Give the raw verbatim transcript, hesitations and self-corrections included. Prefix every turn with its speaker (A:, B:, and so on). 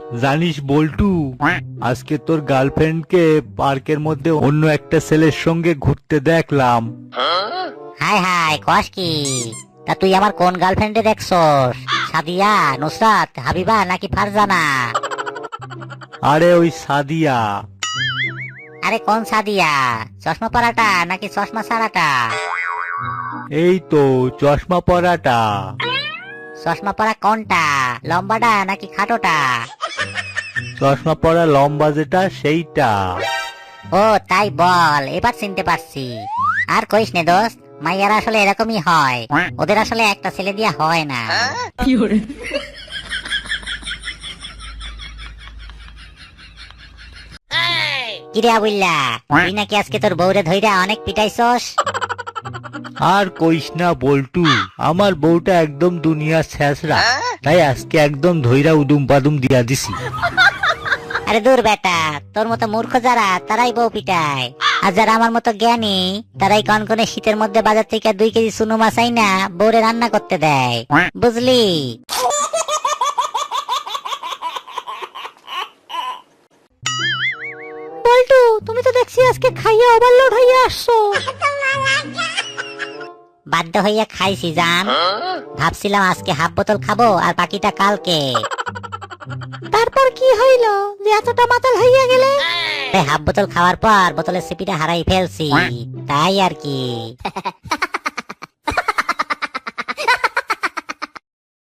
A: জানিস বল্টু, আজকে তোর গার্লফ্রেন্ডকে পার্কের মধ্যে অন্য একটা ছেলের সঙ্গে ঘুরতে দেখলাম।
B: হাই হাই কস কি? তা তুই আমার কোন গার্লফ্রেন্ডে দেখছস? সাদিয়া, নুসরাত, হাবিবা নাকি ফারজানা?
A: আরে ওই সাদিয়া।
B: আরে কোন সাদিয়া? চশমা পরাটা নাকি চশমা ছাড়াটা?
A: এই তো চশমা পরাটা।
B: চশমা পরা কোনটা, লম্বাটা নাকি খাটোটা?
A: চশমা পরা লম্বা যেটা সেইটা।
B: ও তাই বল, এবার চিনতে পারছি। আর কইস নে দোস্ত, মাইয়ারা আসলে এরকমই হয়, ওদের আসলে একটা ছেলে দিয়া হয় না। কিরে আবুল্লা, তুই নাকি আজকে তোর বউরে ধইরা অনেক পিটাইছস?
A: আর কইস না বল্টু, আমার বউটা একদম দুনিয়ার ছেঁচড়া, তাই আজকে একদম ধইরা উদুম পাদুম দিয়া দিছি।
B: আরে দূর বেটা, তোর মতো মূর্খ যারা তারাই বউ পিটায়, আর যারা আমার মতো জ্ঞানী তারাই কনকনে শীতের মধ্যে বাজার থেকে দুই কেজি চুনো মাছ আইনা বউরে রান্না করতে দেয়, বুঝলি? বল্টু, তুমি তো দেখছি আজকে খাইয়া ওভারলোড হইয়া আসছো। বাধ্য হইয়া খাইছি জান, ভাবছিলাম আজকে হাফ বোতল খাবো আর বাকিটা কালকে। তারপর কি হইল যে এতটা মাতাল হইয়া গেলে? হাফ বোতল খাওয়ার পর বোতলের সিপিটা হারাই ফেলছি, তাই আর কি।